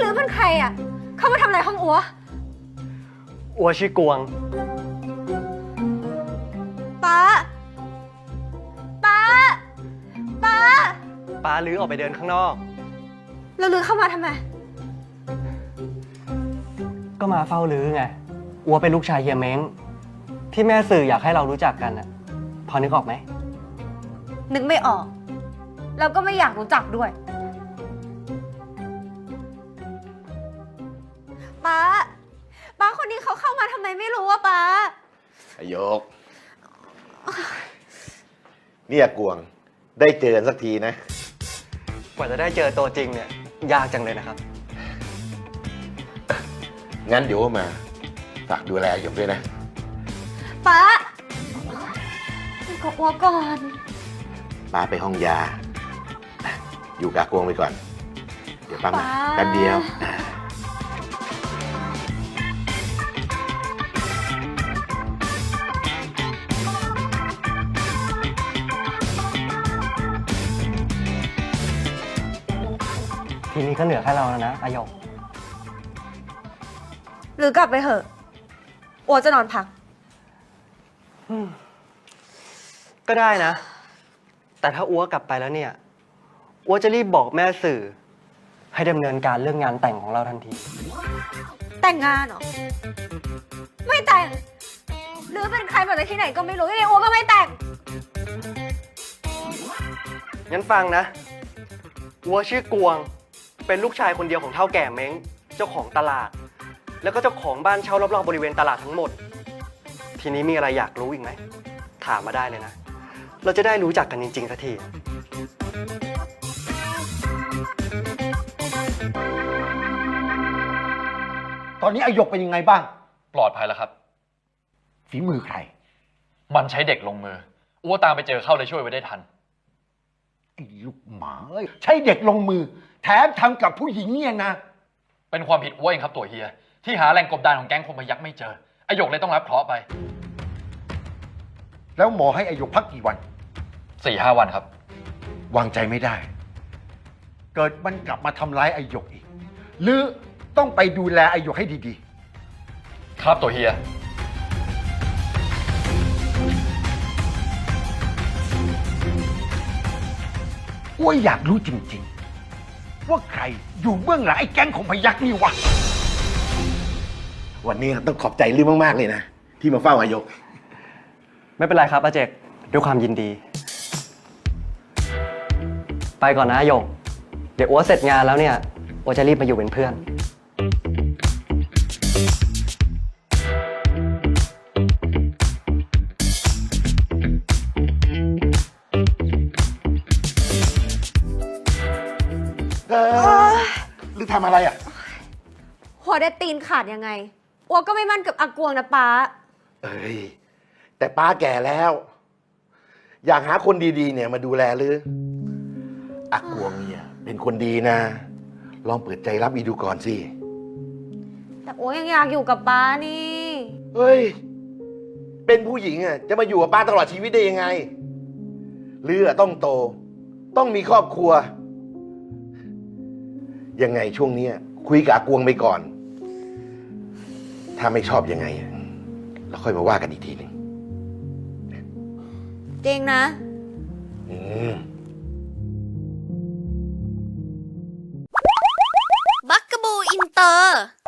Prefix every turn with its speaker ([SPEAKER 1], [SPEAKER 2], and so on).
[SPEAKER 1] รือเป็นใครอ่ะเข้ามาทำอะไรห้องอัว
[SPEAKER 2] อัวชื่อกวง
[SPEAKER 1] ป้าป้าป้า
[SPEAKER 2] ป้าลือออกไปเดินข้างนอก
[SPEAKER 1] แล้วลือเข้ามาทำไม
[SPEAKER 2] ก็มาเฝ้าลือไงอัวเป็นลูกชายเฮียเม้งที่แม่สื่ออยากให้เรารู้จักกันอ่ะพอนึกออกไหม
[SPEAKER 1] นึกไม่ออกแล้วก็ไม่อยากรู้จักด้วยป้าคนนี้เขาเข้ามาทำไมไม่รู้ว่าป้า
[SPEAKER 3] อยกเนี่ยกวงได้เจอกันสักทีนะ
[SPEAKER 2] กว่าจะได้เจอตัวจริงเนี่ยยากจังเลยนะครับ
[SPEAKER 3] งั้นเดี๋ยวมาฝากดูแลหยกด้วยนะ
[SPEAKER 1] ป้าก็อัวก่อน
[SPEAKER 3] ป้าไปห้องยาอยู่กับกวงไปก่อนเดี๋ยวป้ามาแป๊บเดียว
[SPEAKER 2] ทีนี้ก็เหลือแค่เราแล้วนะอายก
[SPEAKER 1] หรือกลับไปเถอะอัวจะนอนพัก
[SPEAKER 2] ก็ได้นะแต่ถ้าอัวกลับไปแล้วเนี่ยอัวจะรีบบอกแม่สื่อให้ดำเนินการเรื่องงานแต่งของเราทันที
[SPEAKER 1] แต่งงานเหรอไม่แต่งหรือเป็นใครมาจากที่ไหนก็ไม่รู้ยังไงอัวก็ไม่แต่ง
[SPEAKER 2] งั้นฟังนะอัวชื่อกวงเป็นลูกชายคนเดียวของเฒ่าแก่เม้งเจ้าของตลาดแล้วก็เจ้าของบ้านเช่ารอบๆบริเวณตลาดทั้งหมดทีนี้มีอะไรอยากรู้อีกไหมถามมาได้เลยนะเราจะได้รู้จักกันจริงๆสักที
[SPEAKER 4] ตอนนี้อายกเป็นยังไงบ้าง
[SPEAKER 5] ปลอดภัยแล้วครับ
[SPEAKER 4] ฝีมือใคร
[SPEAKER 5] มันใช้เด็กลงมืออ้วตามไปเจอเข้าเลยช่วยไว้ได้ทัน
[SPEAKER 4] ไอ้ลูกหมาเอ้ยใช้เด็กลงมือแถมทำกับผู้หญิงเนี่ยนะ
[SPEAKER 5] เป็นความผิดอ้วเองครับตัวเฮียที่หาแหล่งกบดานของแก๊งคมพยักไม่เจออายกเลยต้องรับเคราะห์ไป
[SPEAKER 4] แล้วหมอให้อายกพักกี่วัน
[SPEAKER 5] 4-5 วันครับ
[SPEAKER 4] วางใจไม่ได้เกิดมันกลับมาทำร้ายอายกอีกหรือต้องไปดูแลอายกให้ดี
[SPEAKER 5] ๆครับตัวเฮีย
[SPEAKER 4] อ้วยอยากรู้จริงๆว่าใครอยู่เบื้องหลังไอ้แก๊งของพยักนี่วะ
[SPEAKER 3] วันนี้ต้องขอบใจลือมากๆเลยนะที่มาเฝ้าอายก
[SPEAKER 2] ไม่เป็นไรครับอาเจกด้วยความยินดีไปก่อนนะโยกเดี๋ยวอัวเสร็จงานแล้วเนี่ยอัวจะรีบมาอยู่เป็นเพื่อน
[SPEAKER 3] หรือทำอะไรอ่ะ
[SPEAKER 1] หัวได้ตีนขาดยังไงอัวก็ไม่มั่นกับอากวงนะป้า
[SPEAKER 3] เอ้ยแต่ป้าแก่แล้วอยากหาคนดีๆเนี่ยมาดูแลหรืออากวงเนี่ยเป็นคนดีนะลองเปิดใจรับอีดูก่อนสิ
[SPEAKER 1] แต่อัวยังอยากอยู่กับป้านี่
[SPEAKER 3] เฮ้ยเป็นผู้หญิงอ่ะจะมาอยู่กับป้าตลอดชีวิตได้ยังไงหรือต้องโตต้องมีครอบครัวยังไงช่วงนี้คุยกับอากวงไปก่อนถ้าไม่ชอบยังไงเราค่อยมาว่ากันอีกทีหนึ่ง
[SPEAKER 1] จริงนะ
[SPEAKER 6] บักกะบูอินเตอร์